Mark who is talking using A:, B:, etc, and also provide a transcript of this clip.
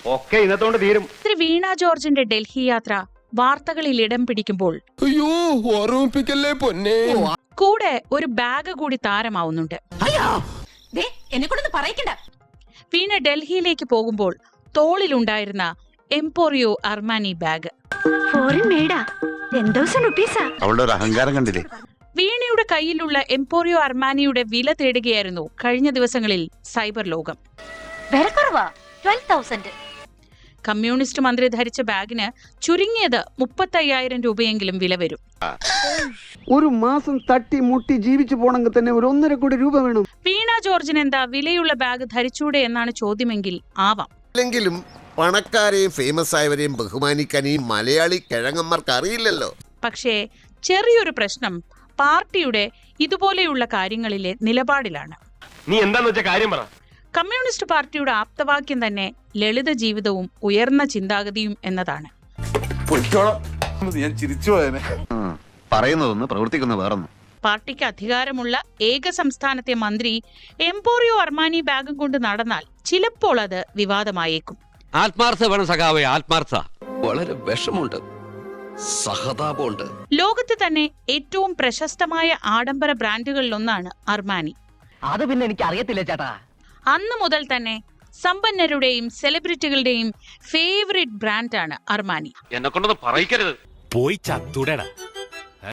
A: ഒക്കെ ഇന്നത്തോണ്ട് തീരും.
B: വീണ ജോർജിന്റെ ഡൽഹി യാത്ര വാർത്തകളിൽ ഇടം പിടിക്കുമ്പോൾ കൂടെ ഒരു ബാഗ് കൂടി താരമാവുന്നുണ്ട്. വീണ ഡൽഹിയിലേക്ക് പോകുമ്പോൾ തോളിലുണ്ടായിരുന്ന എംപോറിയോ അർമാനി ബാഗ്.
C: അഹങ്കാരം കണ്ടില്ലേ?
B: വീണയുടെ കയ്യിലുള്ള എംപോറിയോ അർമാനിയുടെ വില തേടുകയായിരുന്നു കഴിഞ്ഞ ദിവസങ്ങളിൽ സൈബർ ലോകം. കമ്മ്യൂണിസ്റ്റ് മന്ത്രി ധരിച്ച ബാഗിന് ചുരുങ്ങിയത് 35,000 രൂപയെങ്കിലും വില വരും.
D: ഒരു മാസം തട്ടി മുട്ടി ജീവിച്ചു പോണെങ്കിൽ തന്നെ 1.5 കോടി രൂപ വേണം.
B: വീണ ജോർജിന് എന്താ വിലയുള്ള ബാഗ് ധരിച്ചൂടെ എന്നാണ് ചോദ്യമെങ്കിൽ ആവാം.
E: അല്ലെങ്കിലും പണക്കാരെയും ഫേമസ് ആയവരെയും ബഹുമാനിക്കാൻ ഈ മലയാളി കിഴങ്ങന്മാർക്ക് അറിയില്ലല്ലോ.
B: പക്ഷേ ചെറിയൊരു പ്രശ്നം പാർട്ടിയുടെ ഇതുപോലെയുള്ള കാര്യങ്ങളിലെ നിലപാടിലാണ്.
A: നീ എന്താന്ന് വെച്ച കാര്യം പറ.
B: കമ്മ്യൂണിസ്റ്റ് പാർട്ടിയുടെ ആപ്തവാക്യം തന്നെ ലളിത ജീവിതവും ഉയർന്ന ചിന്താഗതിയും എന്നതാണ്.
C: പറയുന്നതൊന്ന് പ്രവർത്തിക്കുന്ന വേറൊന്നും.
B: പാർട്ടിക്ക് അധികാരമുള്ള ഏക സംസ്ഥാനത്തെ മന്ത്രി എംപോറിയോ അർമാനി ബാഗും കൊണ്ട് നടന്നാൽ ചിലപ്പോൾ അത് വിവാദമായേക്കും.
F: ആത്മാർത്ഥ വേണം സഖാവേ, ആത്മാർത്ഥ. വളരെ വിഷമുണ്ട്, സഹതാപമുണ്ട്.
B: ലോകത്ത് തന്നെ ഏറ്റവും പ്രശസ്തമായ ആഡംബര ബ്രാൻഡുകളിലൊന്നാണ് അർമാനി.
G: അത് പിന്നെ എനിക്ക് അറിയത്തില്ല ചേട്ടാ.
B: അന്ന് മുതൽ തന്നെ സമ്പന്നരുടെയും സെലിബ്രിറ്റികളുടെയും ഫേവറേറ്റ് ബ്രാൻഡാണ് അർമാനി.
A: എന്നെ കൊണ്ടൊന്ന് പറയിക്കരുത്.
F: പോയി ചത്തുടടാ.